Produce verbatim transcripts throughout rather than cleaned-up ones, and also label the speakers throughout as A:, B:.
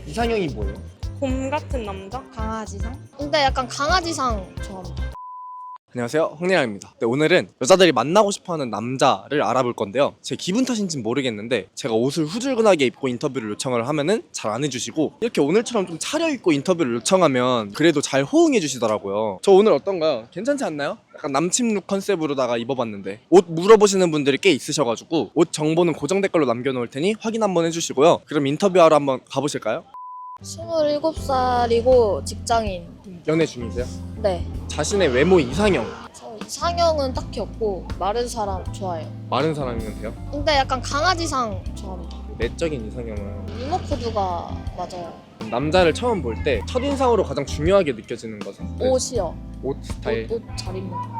A: 이상형이 뭐예요?
B: 곰 같은 남자?
C: 강아지상? 근데 약간 강아지상 좋아합니다.
A: 안녕하세요, 황리랑입니다. 네, 오늘은 여자들이 만나고 싶어하는 남자를 알아볼 건데요. 제 기분 탓인지는 모르겠는데 제가 옷을 후줄근하게 입고 인터뷰를 요청을 하면은 잘 안 해주시고, 이렇게 오늘처럼 좀 차려입고 인터뷰를 요청하면 그래도 잘 호응해 주시더라고요. 저 오늘 어떤가요? 괜찮지 않나요? 약간 남친 룩 컨셉으로다가 입어봤는데, 옷 물어보시는 분들이 꽤 있으셔가지고 옷 정보는 고정 댓글로 남겨놓을 테니 확인 한번 해주시고요. 그럼 인터뷰하러 한번 가보실까요?
C: 스물일곱 살이고 직장인.
A: 연애 중이세요?
C: 네.
A: 자신의 외모 이상형,
C: 저 이상형은 딱히 없고 마른 사람 좋아해요.
A: 마른 사람이면 돼요?
C: 근데 약간 강아지상 좋아합니다.
A: 내적인 이상형은
C: 이모 코드가 맞아요.
A: 남자를 처음 볼 때 첫인상으로 가장 중요하게 느껴지는 것은? 네.
C: 옷이요.
A: 옷 스타일.
C: 옷 잘 입는 거.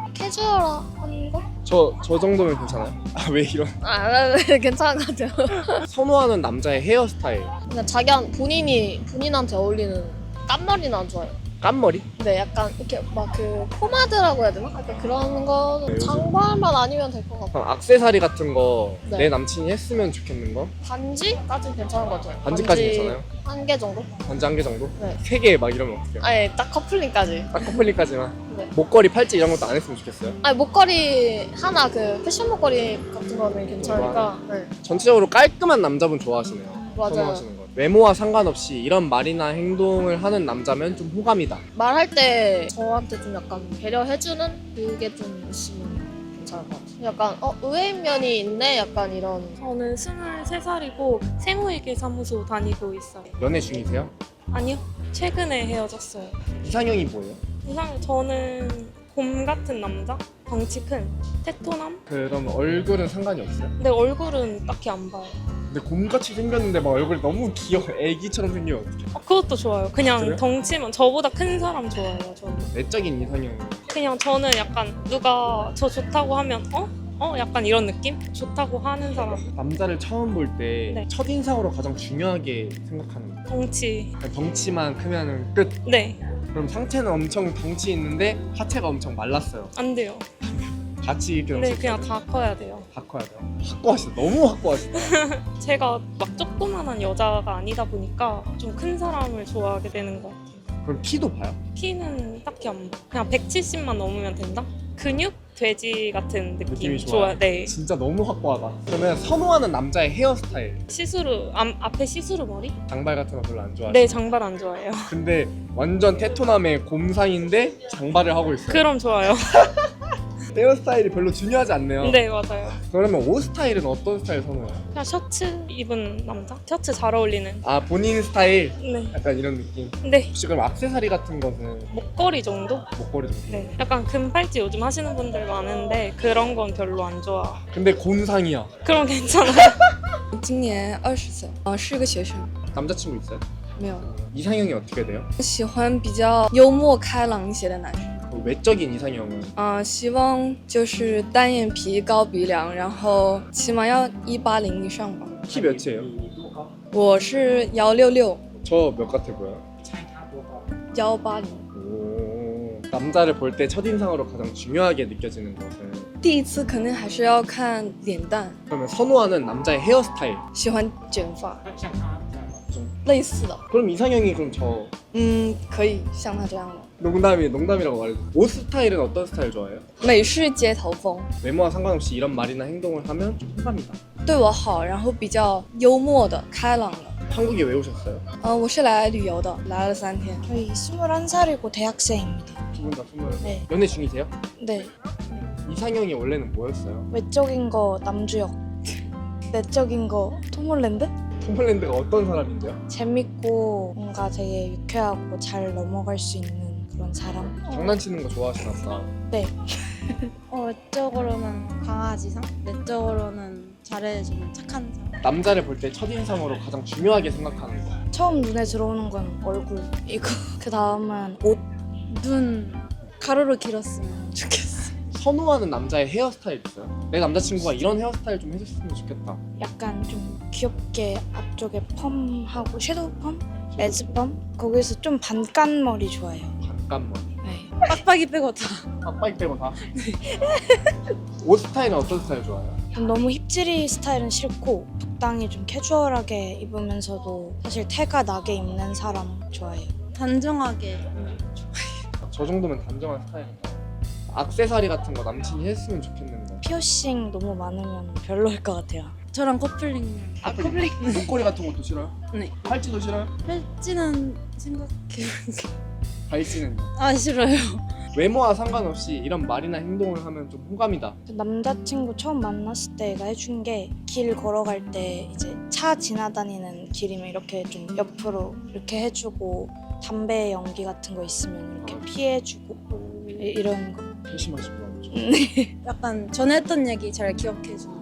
C: 캐주얼한 거?
A: 저, 저 정도면 괜찮아요? 아, 왜 이런?
C: 아, 네, 괜찮은 것 같아요.
A: 선호하는 남자의 헤어스타일.
C: 그냥 자기 한 본인이 본인한테 어울리는 깐머리는 안 좋아해요.
A: 깐머리?
C: 근데 약간 이렇게 막 그 포마드라고 해야 되나? 약간 그런 거
A: 네, 요즘-
C: 장발만 아니면 될 것 같아요.
A: 그럼 악세사리 같은 거 내
C: 네.
A: 남친이 했으면 좋겠는 거?
C: 반지까지 괜찮은 것 같아요.
A: 반지까지
C: 반지
A: 괜찮아요?
C: 한 개 정도?
A: 반지 한 개 정도?
C: 네.
A: 세 개 막 이러면 어떡해요?
C: 아니 딱 커플링까지.
A: 딱 커플링까지만?
C: 네.
A: 목걸이, 팔찌 이런 것도 안 했으면 좋겠어요?
C: 아니 목걸이 하나 그 패션 목걸이 같은 거는 괜찮으니까. 네.
A: 전체적으로 깔끔한 남자분 좋아하시네요.
C: 맞아요.
A: 선호하시는 거. 외모와 상관없이 이런 말이나 행동을 하는 남자면 좀 호감이다.
C: 말할 때 저한테 좀 약간 배려해주는 그게 좀 있으면 괜찮을 것 같아요. 약간 어 의외인 면이 있네. 약간 이런.
B: 저는 스물세 살이고 세무회계 사무소 다니고 있어요.
A: 연애 중이세요?
B: 아니요, 최근에 헤어졌어요.
A: 이상형이 뭐예요?
B: 이상 저는 곰 같은 남자? 덩치 큰 테토남?
A: 그럼 얼굴은 상관이 없어요?
B: 근데 얼굴은 딱히 안 봐요.
A: 근데 곰같이 생겼는데 막 얼굴이 너무 귀여워. 애기처럼 생겨. 어떡해.
B: 어, 그것도 좋아요. 그냥
A: 그래요?
B: 덩치면 저보다 큰 사람 좋아해요. 저는
A: 내적인 이상형.
B: 그냥 저는 약간 누가 저 좋다고 하면 어? 어? 약간 이런 느낌? 좋다고 하는 사람.
A: 남자를 처음 볼 때
B: 네.
A: 첫인상으로 가장 중요하게 생각하는 거.
B: 덩치.
A: 그냥 덩치만 크면은 끝.
B: 네,
A: 그럼 상체는 엄청 덩치 있는데 하체가 엄청 말랐어요.
B: 안 돼요.
A: 같이 이렇게
B: 네, 그냥 다 커야 돼요.
A: 다 커야 돼요. 확고하시다. 너무 확고하시다.
B: 제가 막 조그만한 여자가 아니다 보니까 좀 큰 사람을 좋아하게 되는 것 같아요.
A: 그럼 키도 봐요?
B: 키는 딱히 안 봐. 그냥 백칠십만 넘으면 된다? 근육? 돼지 같은 느낌.
A: 느낌이 좋아요?
B: 좋아. 네.
A: 진짜 너무 확고하다. 그러면 선호하는 남자의 헤어스타일.
B: 시스루, 앞, 앞에 시스루 머리?
A: 장발 같은 거 별로 안 좋아해요.
B: 네, 장발 안 좋아해요.
A: 근데 완전 테토남의 곰상인데 장발을 하고 있어요.
B: 그럼 좋아요.
A: 헤어스타일이 별로 중요하지 않네요.
B: 네, 맞아요.
A: 그러면 옷 스타일은 어떤 스타일 선호해요?
B: 그냥 셔츠 입은 남자? 셔츠 잘 어울리는.
A: 아, 본인 스타일?
B: 네.
A: 약간 이런 느낌.
B: 네.
A: 혹시 그럼 액세서리 같은 거는
B: 목걸이 정도?
A: 목걸이 정도?
B: 네. 약간 금팔찌 요즘 하시는 분들 많은데 그런 건 별로 안 좋아.
A: 근데 곰상이야.
B: 그럼 괜찮아요.
D: 今年二十岁，呃，是个学生，
A: 남자친구 있어요?
D: 没有。
A: 이상형이 어떻게 돼요?
D: 喜欢比较幽默开朗一些的男生，
A: 그 외적인 이상형은?
D: 啊、希望就是单眼皮、高鼻梁，然后起码要一八零以上吧。
A: 키 몇이에요?
D: 我是幺六六，
A: 저 몇 같아 보여요?
D: 幺八零。
A: 오, 남자를 볼 때 첫인상으로 가장 중요하게 느껴지는 것은?
D: 第一次肯定还是要看脸蛋，
A: 그러면 선호하는 남자의 헤어스타일.
D: 喜欢卷发，类似的，
A: 그럼 이상형이 그럼 저
D: 嗯，可以像他这样的
A: 농담이 농담이라고 말해도 옷 스타일은 어떤 스타일 좋아해요?
D: 美式街头风，
A: 외모와 상관없이 이런 말이나 행동을 하면 좀 호감이다.
D: 对我好，然后比较幽默的、开朗的。
A: 한국에 왜 오셨어요?
D: 嗯、我是来旅游的，来了三天。
C: 저희 스물한 살이고 대학생입니다.
A: 두 분 다 스물.
C: 네.
A: 연애 중이세요?
C: 네.
A: 이상형이 원래는 뭐였어요?
C: 외적인 거 남주혁. 내적인 거 톰홀랜드?
A: 톰홀랜드가 어떤 사람인데요?
C: 재밌고 뭔가 되게 유쾌하고 잘 넘어갈 수 있는 그런 사람.
A: 장난치는 거 좋아하시나 보다.
C: 네.
E: 어, 외적으로는 강아지상, 내적으로는 잘해주는 착한 사람.
A: 남자를 볼 때 첫인상으로 가장 중요하게 생각하는 거.
C: 처음 눈에 들어오는 건 얼굴이고 그 다음은 옷.
E: 눈 가로로 길었으면 좋겠어.
A: 선호하는 남자의 헤어스타일 있어요? 내 남자친구가 이런 헤어스타일 좀 해줬으면 좋겠다.
C: 약간 좀 귀엽게 앞쪽에 펌하고 섀도우 펌? 레즈 펌? 거기서 좀 반깐머리 좋아해요.
A: 반깐머리.
C: 네.
E: 빡빡이 빼고 다.
A: 빡빡이 빼고 다. 옷 스타일은 어떤 스타일 좋아해요?
C: 너무 힙지리 스타일은 싫고
F: 적당히 좀 캐주얼하게 입으면서도 사실 태가 나게 입는 사람 좋아해요.
E: 단정하게.
A: 저 정도면 단정한 스타일이다. 액세서리 같은 거 남친이 했으면 좋겠는데.
F: 피어싱 너무 많으면 별로일 것 같아요.
E: 저랑 커플링.
A: 아, 커플링? 목걸이 같은 것도 싫어요?
E: 네.
A: 팔찌도 싫어요?
E: 팔찌는 생각해.
A: 발찌는
E: 아 싫어요.
A: 외모와 상관없이 이런 말이나 행동을 하면 좀 호감이다.
F: 남자친구 처음 만났을 때 얘가 해준 게 길 걸어갈 때 이제 차 지나다니는 길이면 이렇게 좀 옆으로 이렇게 해주고 담배 연기 같은 거 있으면 이렇게 피해주고 이- 이런 거.
A: 회심하시구나.
E: 약간 전에 했던 얘기 잘 기억해주는.